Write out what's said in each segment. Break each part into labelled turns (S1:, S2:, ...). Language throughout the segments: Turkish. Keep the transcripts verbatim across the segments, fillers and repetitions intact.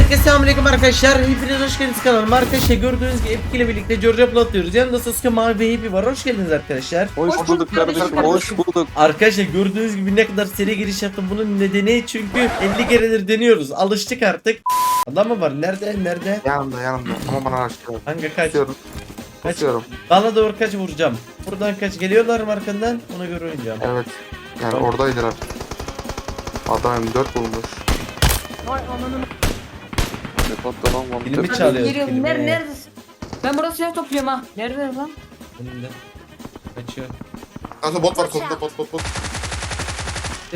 S1: Herkese selamünaleyküm arkadaşlar. Hepiniz hoş geldiniz kanalıma. Arkadaşlar gördüğünüz gibi Epic ile birlikte George Upload atıyoruz. Yanımda Sasuke, Mavi ve Happy var. Hoş geldiniz arkadaşlar.
S2: Hoş, hoş bulduk kardeşim, hoş bulduk.
S1: Arkadaşlar gördüğünüz gibi ne kadar seri giriş yaptım. Bunun nedeni çünkü elli keredir deniyoruz. Alıştık artık. Adam mı var? Nerede? Nerede?
S2: Yanımda yanımda ama bana açtı.
S1: Hangi kaç?
S2: Kaçıyorum.
S1: Kaç?
S2: Kaçıyorum.
S1: Bana doğru kaç vuracağım. Buradan kaç? Geliyorlar mı arkandan? Ona göre oynayacağım.
S2: Evet. Yani
S1: Tamam.
S2: oradaydılar. Adam M dört bulmuş.
S3: Vay ananı.
S2: Depottalan var.
S1: Filmi
S3: Hadi
S1: çalıyoruz.
S3: geliyorum.
S1: Filmi.
S3: Ner neredesin? Ben burası silah topluyorum ha. Nerede lan?
S1: Önünde. Kaçıyor.
S2: Kanka bot var kolunda bot bot bot.
S1: Bir.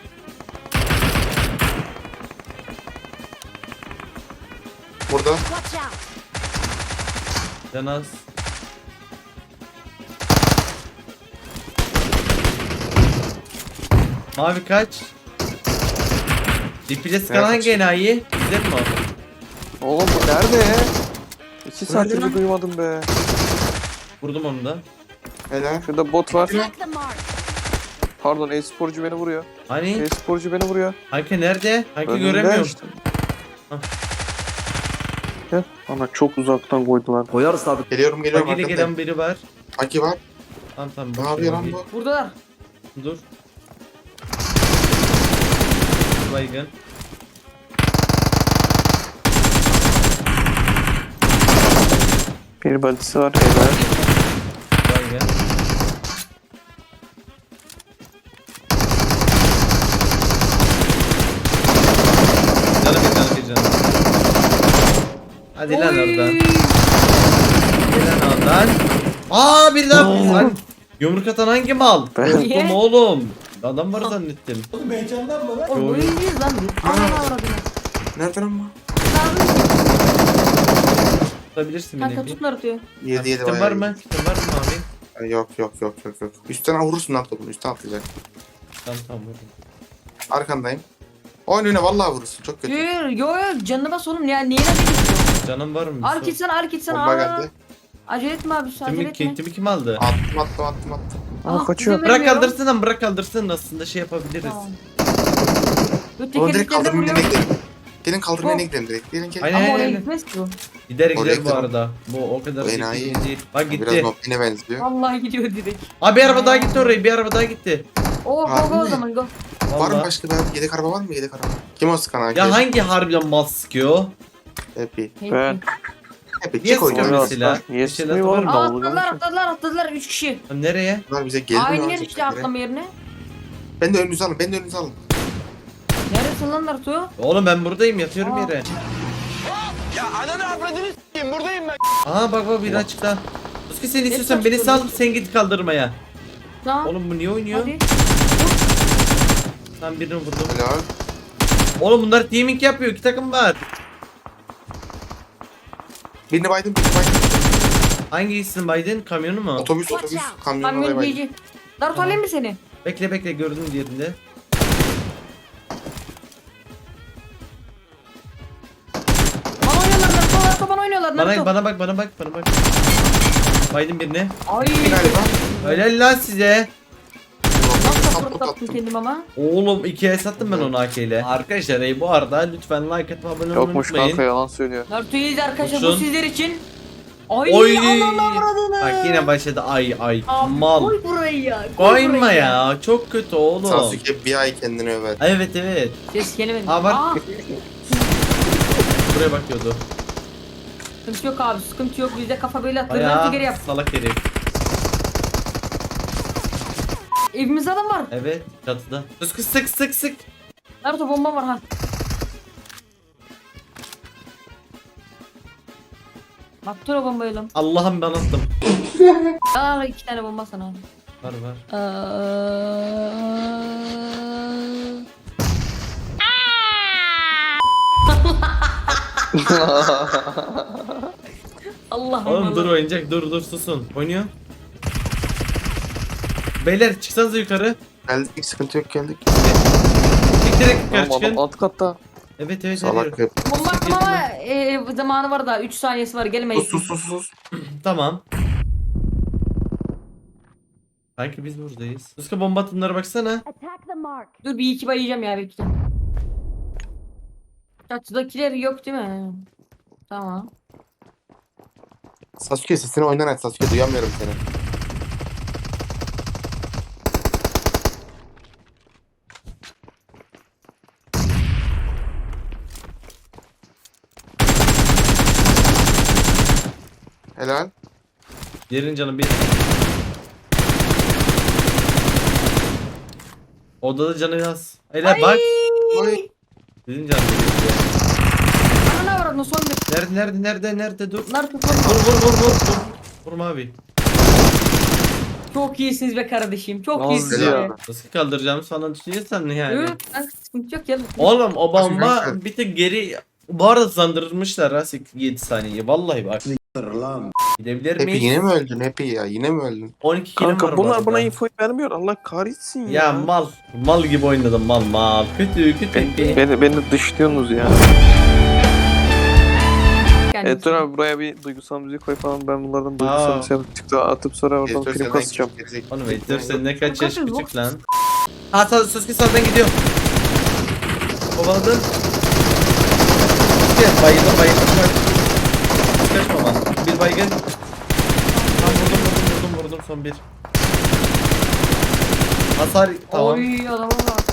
S2: Burada.
S1: Canaz. Mavi kaç? Dipile sıkan
S2: Evet,
S1: hangi
S2: kaçıyor.
S1: enayi? Güzel mi o?
S4: Oğlum bu nerede ya? İki saattir
S2: Nerede lan?
S4: bir duymadım be.
S1: Vurdum onu da.
S2: Helal.
S4: Şurada bot var.
S5: Attack the mark.
S4: Pardon e-sporcu beni vuruyor.
S1: Hani?
S4: E-sporcu beni vuruyor.
S1: Hangi nerede? Hangi
S4: Önümde
S1: göremiyorum.
S4: işte.
S1: Hah.
S4: Gel. Ana çok uzaktan koydular.
S6: Koyarız tabii.
S2: Geliyorum geliyorum
S1: Bagiyle
S2: arkadaşlar.
S1: gelen biri var.
S2: Aki var.
S1: Tamam tamam.
S2: Ne
S1: boş
S2: yapıyor
S1: ver,
S2: lan
S1: git.
S2: bu?
S3: Buradalar.
S1: Dur. Baygın.
S4: Bir badisi var helal.
S1: Baygın. Canı bir canı bir canı. Hadi lan oradan. Hadi lan oradan. Aa bir daha lan. Yumruk atan hangi mal?
S4: Ben-
S1: Korktum oğlum. Adam var zannettim.
S3: Oğlum
S1: Yo,
S3: bu iyiyiz lan biz. Ananı avradını.
S2: Nerede lan bu?
S1: Tutabilirsin
S3: Kanka
S1: beni.
S3: tutun atıyor.
S2: Yedi yedi
S1: Kitin var mı? Kitin var mı abi?
S2: Ay, Yok yok yok yok yok. Üstten vurursun lan topunu. Üstten atlayacak.
S1: Tamam tamam vurdum.
S2: Arkandayım. Oyun oyna vallahi vurursun. Çok kötü.
S3: Yo yo yo yo canına bas oğlum ya. Niye ne diyorsun?
S1: Canım var mı? bir
S3: Hareket
S1: sor?
S3: sana hareket sana.
S2: Bomba
S3: Aa,
S2: geldi.
S3: acele etme abi acele
S1: Kimi,
S3: etme.
S1: kimi kim aldı?
S2: Attım attım attım attım.
S4: Aa
S3: Ah,
S4: kaçıyor.
S3: bizim
S1: Bırak
S3: Bilmiyorum.
S1: kaldırsın lan bırak kaldırsın aslında şey yapabiliriz.
S3: Tamam. Bu
S2: Onu direkt
S3: tekerleklerine
S2: kaldırmaya
S3: vuruyor.
S2: gidelim. Gelin kaldırmaya
S3: Bu-
S2: gidelim direkt. Gelin gelin.
S1: Aynen
S3: Ama
S1: aynen.
S3: oraya
S1: aynen.
S3: gitmez ki bu.
S1: Gider
S2: Oraya
S1: gider bu
S2: gidelim.
S1: arada. Bu o kadar
S2: Bu
S1: ciddi
S2: enayi.
S1: değil. Bak
S2: Biraz
S1: gitti.
S2: Nopin'e benziyor.
S3: Vallahi gidiyor direkt.
S1: Abi bir araba daha gitti oraya bir araba daha gitti.
S3: Oo go
S2: Harbi
S3: go o
S2: mi?
S3: zaman go.
S2: Var mı
S1: Vallahi.
S2: başka bir yedek araba var mı yedek araba? Kim o sıkan Aki?
S1: Ya hangi harbiden mal sıkıyor?
S2: Happy.
S4: Ben.
S2: Happy
S1: Niye
S2: çık oyunu.
S1: sıkıyor
S4: Oynuyor
S1: mesela?
S4: aslında. Niye
S1: Bir şeyler
S4: sıkmıyor
S1: var
S4: oğlum?
S1: mı?
S3: Aa,
S4: Davul
S3: atladılar
S4: için.
S3: atladılar atladılar üç kişi.
S1: Lan nereye?
S2: Bunlar bize geldi mi?
S3: Aynı
S2: lan
S3: yer işte
S2: çocuklar?
S3: atlama yerine.
S2: Ben de önünüzü alın, ben de önünüzü alın.
S3: Neredesin lan Naruto?
S1: Oğlum ben buradayım yatıyorum
S3: Aa.
S1: yere. Aha bak bak biri açıkta. Özgü sen istiyorsan beni sal sen git kaldırmaya.
S3: Tamam.
S1: Oğlum bu niye oynuyor?
S3: Hadi.
S1: Tam birini vurdum.
S2: Helal.
S1: Oğlum bunlar teaming yapıyor iki takım var.
S2: Birini baydım, birini baydım.
S1: Hangisisin Biden? Kamyonu mu?
S2: Otobüs,
S5: Watch
S2: otobüs,
S5: out.
S2: kamyon
S3: Kamyon
S2: oraya baydım.
S3: giyici. Naruto alayım mı seni?
S1: Bekle bekle gördüm diğerinde.
S3: Bana oynuyorlar Naruto Naruto bana oynuyorlar
S1: Bana
S3: Naruto.
S1: bana bak bana bak bana bak. Biden birine.
S3: Ay.
S2: Bir galiba.
S1: Helal lan size.
S3: Nasıl
S2: Saplık
S3: fırlattım
S2: attım.
S3: kendim ama.
S1: Oğlum ikiye sattım ben onu A K ile. Arkadaşlar ey, bu arada lütfen like atıp abone olmayı
S4: Yokmuş
S1: unutmayın.
S4: kanka yalan söylüyor.
S3: Naruto'yu izle arkadaşlar bu
S1: Uçsun.
S3: sizler için. Ay
S1: Oy.
S3: ananı avradını.
S1: Bak yine başladı ay ay
S3: Abi,
S1: mal.
S3: Koy burayı ya. koy
S1: Koyma
S3: burayı
S1: ya çok kötü oğlum.
S2: Sasuke bir ay kendini över.
S1: Evet evet.
S3: Ses gelemedi.
S1: Aa, bak.
S3: Aa,
S1: Buraya bakıyordu.
S3: sıkıntı yok abi sıkıntı yok bizde kafa böyle atılır Naruto
S1: Bayağı
S3: geri yap.
S1: salak herif.
S3: Evimizde adam var.
S1: Evet çatıda. Sık sık sık sık.
S3: Naruto bomba var ha. Attır o bombayı lan.
S1: Allah'ım ben attım.
S3: Aa iki tane bomba sana.
S1: Var var.
S3: Allah
S1: Oğlum dur oyuncak dur dur susun. Oynuyor. Beyler çıksanıza yukarı.
S2: Geldik, sıkıntı yok geldik.
S1: Çık direkt yukarı
S4: Tamam
S1: çıkın.
S4: adam alt katta.
S1: Evet evet
S2: Salak
S1: evet.
S2: hep.
S3: Bomba attım ama e, zamanı var daha üç saniyesi var gelmeyin.
S2: Sus sus sus sus.
S1: Tamam. Sanki biz buradayız. Suska bomba atımlara baksana.
S5: Attack the mark.
S3: Dur bir iki bayacağım ya bekle. Çatıdakiler yok değil mi? Tamam.
S2: Sasuke sesini oynan aç Sasuke, duyamıyorum seni. Helal.
S1: Yerin canı bir. Odada canı yaz. Hele bak.
S2: Oy.
S1: Dedin canı bir.
S3: Ana ne var son bir.
S1: Nerede nerede nerede nerede dur.
S3: Naruto
S1: Vur
S3: son
S1: vur vur vur. Vur, vur mavi.
S3: Çok iyisiniz be kardeşim. Çok
S4: Nasıl
S3: iyisiniz
S4: ya?
S3: be.
S1: Nasıl kaldıracağımı falan düşünüyorsan yani.
S3: Evet, ben sıkıntı yok ya.
S1: Oğlum o bomba
S2: Nasıl?
S1: bir tık geri bu arada hızlandırmışlar ha yedi saniye. Vallahi bak. Gidebilir
S2: Happy yine
S1: miyiz?
S2: mi öldün Happy ya? Yine mi öldün?
S1: on iki kilim var
S4: Kanka
S1: bu
S4: bunlar
S1: arada.
S4: bana info vermiyor. Allah kahretsin ya.
S1: Ya mal. Mal gibi oynadım mal mal. Kötü kötü.
S4: Beni, beni, beni dışlıyorsunuz ya. Evet dur abi buraya bir duygusal müzik koy falan. Ben bunlardan duygusal
S1: Aa.
S4: müzik çıktı atıp sonra oradan
S2: Editör
S4: film
S2: senden
S4: kasacağım.
S2: gelecek.
S1: Oğlum Editör sen ne kaç
S3: Kaç
S1: yaş
S3: yaş
S1: küçük lan. Ha sağ Sasuke sağdan gidiyor. Kovaladın. Gel bayıldım bayıldım. Kaçma lan. Bir baygın. Tamam vurdum vurdum vurdum vurdum son bir. Hasar tamam.
S3: Oy adama bak.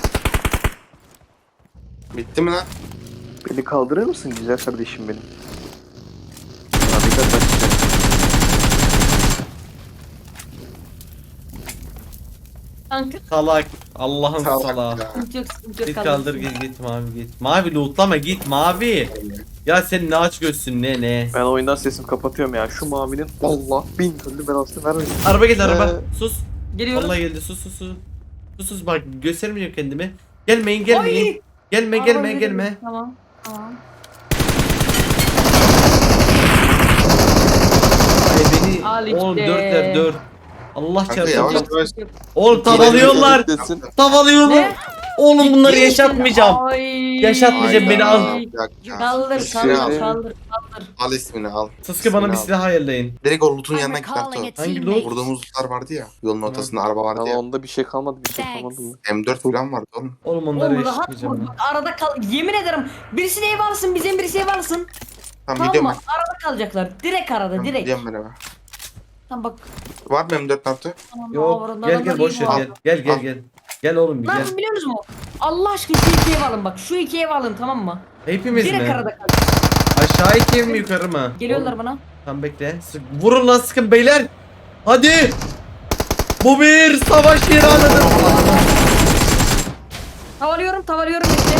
S2: Bitti mi lan?
S4: Beni kaldırır mısın güzel kardeşim benim? Abi dikkat bak işte.
S3: Kanka.
S1: Salak. Allah'ın
S2: Salak
S1: salağı.
S2: ya.
S3: Sıkıntı yok sıkıntı yok.
S1: Git
S3: kardeşim.
S1: kaldır git git mavi git. Mavi lootlama git mavi. Ya sen ne aç gözsün ne ne.
S4: Ben oyundan sesimi kapatıyorum ya. Şu mavinin Allah bin türlü belasını vermesin.
S1: Araba geldi araba.
S4: Ee,
S1: Sus.
S3: Geliyorum.
S1: Vallahi geldi sus sus sus. Sus sus bak göstermeyeceğim kendimi. Gelmeyin gelmeyin.
S3: Oy!
S1: Gelme
S3: Araba
S1: gelme
S3: geliyor.
S1: gelme.
S3: Tamam. Tamam.
S1: Ay beni
S3: Al işte.
S1: oğlum dörtler dört. Allah
S2: Kanka
S1: çarpsın.
S2: yavaş
S1: Yok.
S2: yavaş.
S1: Oğlum tavalıyorlar.
S4: Desin.
S1: Tavalıyorlar.
S3: Ne?
S1: Oğlum bunları
S3: Ciddi misin?
S1: yaşatmayacağım.
S3: Ay.
S1: Yaşatmayacağım, beni al.
S2: Bir dakika.
S3: Kaldır
S2: İsmini
S3: kaldır
S2: al.
S3: kaldır kaldır.
S2: Al ismini al.
S1: Sasuke bana bir
S2: İsmini al.
S1: silah ayarlayın.
S2: Direkt o loot'un
S5: I'm
S2: yanına git
S5: recalling a
S2: Naruto.
S1: Hangi
S5: teammate.
S1: loot?
S2: Vurduğumuz lootlar vardı ya. Yolun ortasında araba vardı
S4: Ama
S2: ya.
S4: onda bir şey kalmadı bir şey
S5: Thanks.
S4: kalmadı.
S2: M dört falan vardı oğlum.
S1: Oğlum onları
S3: Oğlum rahat
S1: yaşatmayacağım.
S3: vur.
S1: ben.
S3: Arada kal. Yemin ederim. Birisi ev alsın bizim birisi ev alsın.
S2: Tamam
S3: Tamam
S2: gidiyorum
S3: mı?
S2: ben.
S3: Arada kalacaklar. Direkt arada
S2: Tamam,
S3: direkt.
S2: gidiyorum ben eve.
S3: Tamam bak.
S2: Var mı M dört Naruto?
S3: Tamam,
S1: Yok
S3: avradan
S1: gel
S3: adamlar
S1: gel boş
S3: iyi
S1: ver
S3: bu
S1: gel. Gel gel
S2: Al.
S1: gel. Gel oğlum bir
S3: Ne
S1: gel.
S3: yapın biliyor musun? Allah aşkına şu iki ev alın bak. Şu iki ev alın tamam mı?
S1: Hepimiz
S3: Direkt
S1: mi?
S3: arada kal.
S1: Aşağı iki ev mi yukarı mı?
S3: Geliyorlar
S1: Oğlum,
S3: bana.
S1: Tamam bekle. Sık, vurun lan sıkın beyler. Hadi. Bu bir savaş ilanıdır.
S3: Tavalıyorum tavalıyorum işte.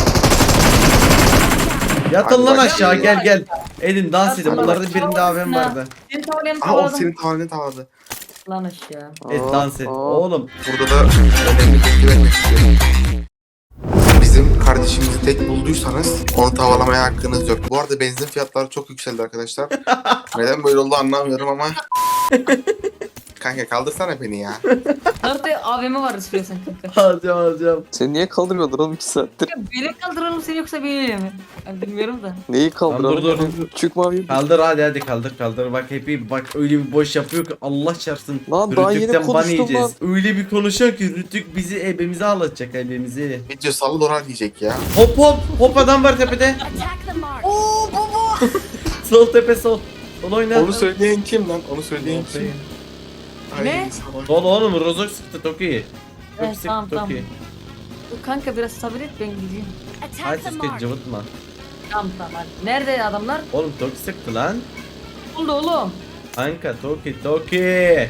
S1: Yatın
S2: Hadi
S1: lan
S2: bak.
S1: aşağı gel gel. Edin dans edin.
S3: Yatın
S1: Bunların
S3: bak.
S1: birinde A V M vardı.
S3: Seni tavalayan
S2: Aha o
S3: tavaladım.
S2: senin tavanını tavladı.
S3: Lan aşağı.
S1: Et dans et. Oğlum.
S2: Burada da önemli bilgi vermek istiyorum. Bizim kardeşimizi tek bulduysanız onu tavalamaya hakkınız yok. Bu arada benzin fiyatları çok yükseldi arkadaşlar. Neden böyle oldu anlamıyorum ama. Kanka kaldırsana beni ya.
S3: Nerede A V M var istiyorsan kanka.
S1: Alacağım alacağım.
S4: Seni niye kaldırmıyorlar oğlum iki saattir?
S3: Ya beni kaldıralım seni yoksa beni mi? Ben bilmiyorum da.
S4: Neyi kaldıralım?
S1: Lan dur, dur.
S4: Çık mavi.
S1: Kaldır hadi hadi kaldır kaldır. Bak hepi bak öyle bir boş yapıyor ki Allah çarpsın.
S4: Lan daha yeni
S1: Rütük'ten ban
S4: konuştum
S1: yiyeceğiz.
S4: lan.
S1: Öyle bir konuşuyor ki Rütük bizi ebemize ağlatacak ebemizi.
S2: Video salı dolar diyecek ya.
S1: Hop hop hop adam var tepede.
S5: Attack the mark.
S3: Oo baba.
S1: Sol tepe sol. Sol oyna.
S2: Onu söyleyen kim lan? Onu söyleyen kim? Ay,
S3: Ne?
S2: salak.
S1: Sol oğlum Rozok sıktı Toki. Çok
S3: Evet,
S1: sıktı
S3: tamam, tamam.
S1: Toki.
S3: Dur kanka biraz sabret ben gideyim.
S1: Hadi
S5: Attack the
S1: Sasuke
S5: mark.
S1: cıvıtma.
S3: Tamam tamam hadi. Nerede adamlar?
S1: Oğlum Toki sıktı lan.
S3: Oldu oğlum.
S1: Kanka Toki Toki.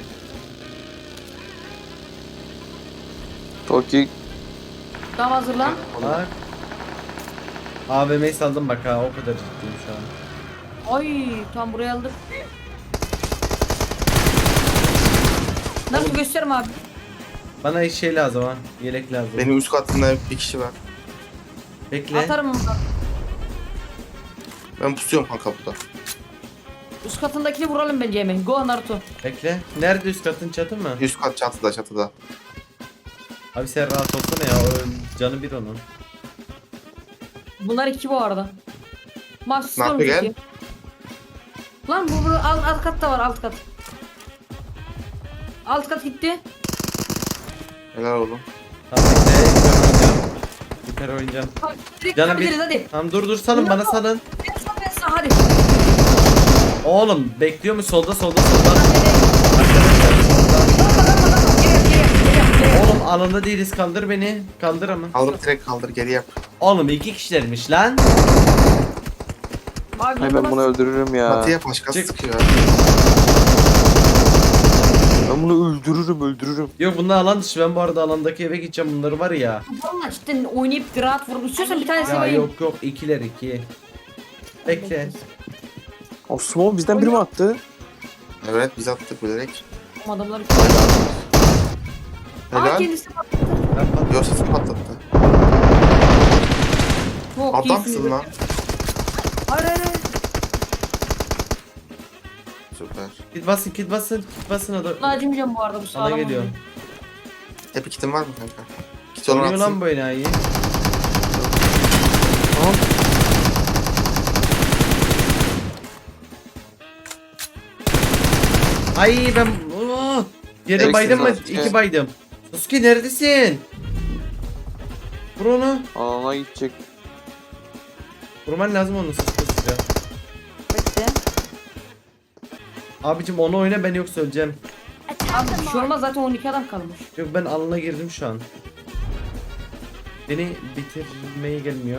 S4: Toki
S3: Tamam hazırlan.
S1: Bak. A V M'yi saldım bak ha o kadar ciddiyim şu an.
S3: Ay tam buraya aldık. Nasıl gösterme abi?
S1: Bana şey lazım ha. Yelek lazım.
S2: Benim üst katımda bir kişi var.
S1: Bekle.
S3: Atarım onu da.
S2: Ben pusuyorum kanka burada.
S3: Üst katındakini vuralım bence hemen. Go Naruto.
S1: Bekle. Nerede üst katın çatı mı?
S2: Üst kat çatıda çatıda.
S1: Abi sen rahat olsana ya. O canı bir onun.
S3: Bunlar iki bu arada. Mahsus
S2: Naruto
S3: olmuş
S2: gel.
S3: iki. Lan bu, bu alt, alt katta var alt kat. Alt kat gitti.
S2: Helal oğlum.
S1: Tamam bekle. Süper oynayacağım.
S3: Abi, direkt
S1: Canım
S3: yapabiliriz,
S1: bir.
S3: hadi.
S1: Tamam dur dur salın bana salın.
S3: Ben sana ben sana hadi.
S1: Oğlum bekliyor mu solda solda solda. Oğlum alanda değiliz kaldır beni. Kaldır ama.
S2: Kaldır direkt kaldır geri yap.
S1: Oğlum iki kişilermiş lan.
S3: Abi,
S4: Hay ben bunu öldürürüm ya.
S2: Batıya başkası
S1: Çık.
S2: sıkıyor.
S4: Ben bunu öldürürüm öldürürüm.
S1: Yok bunlar alan dışı, ben bu arada alandaki eve gideceğim, bunları var ya.
S3: Valla cidden oynayıp grat vurup istiyorsan bir tanesini
S1: Ya
S3: vereyim.
S1: yok yok ikiler iki. Bekle.
S4: O smoke bizden biri mi attı?
S2: Evet biz attık bilerek.
S3: Adamlar Aa
S2: Helal.
S3: kendisi bak.
S1: Ben pat-
S2: Yok sesi patlattı.
S3: Çok
S2: Adamsın
S3: iyisiniz.
S2: lan.
S3: Hayır hayır hayır.
S2: Süper.
S1: Kit basın kit basın kit basın adam.
S3: Buna acımayacağım bu arada bu
S1: Sana
S3: sağlam.
S1: geliyor.
S3: oynuyor.
S2: Hep kitin var mı kanka? Kit olan
S1: Oynuyor lan
S2: atsın.
S1: bu enayi.
S4: Tamam.
S1: Ay ben oh, yere
S2: Eksik
S1: baydım mı?
S2: var.
S1: İki baydım. Sasuke neredesin? Vur onu.
S4: Alana gidecek.
S1: Vurman lazım onu Sasuke sıra.
S3: Bekle.
S1: Abicim onu oyna, ben yoksa öleceğim.
S3: Abi bir şey olmaz zaten on iki adam kalmış.
S1: Yok ben alana girdim şu an. Beni bitirmeye gelmiyor.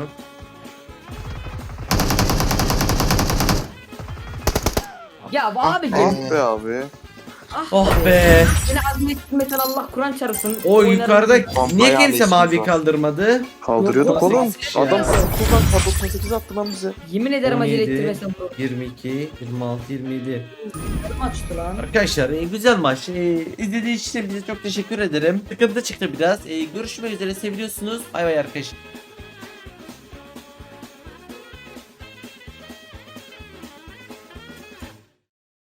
S3: Ya bu
S2: Ah,
S3: abi
S2: ah.
S4: Ah be abi.
S1: Oh be.
S3: yine azmetli metal Allah Kur'an çarısın.
S1: O
S3: Oynarım.
S1: yukarıda
S2: Pompayı
S1: niye kimse
S2: alıyorsunuz
S1: mavi
S2: o.
S1: kaldırmadı?
S4: Kaldırıyorduk
S3: Yok,
S4: oğlum.
S3: on sekiz
S4: Adam
S3: ya.
S4: kullan K doksan sekiz attı lan bize.
S3: Yemin ederim acele
S1: on yedi,
S3: ettirmesem bu.
S1: yirmi iki, yirmi altı, yirmi yedi.
S3: Yarım açtı lan.
S1: Arkadaşlar e, güzel maç. E, izlediğiniz için bize çok teşekkür ederim. Sıkıntı çıktı biraz. E, görüşmek üzere, seviyorsunuz. Bay bay arkadaşlar.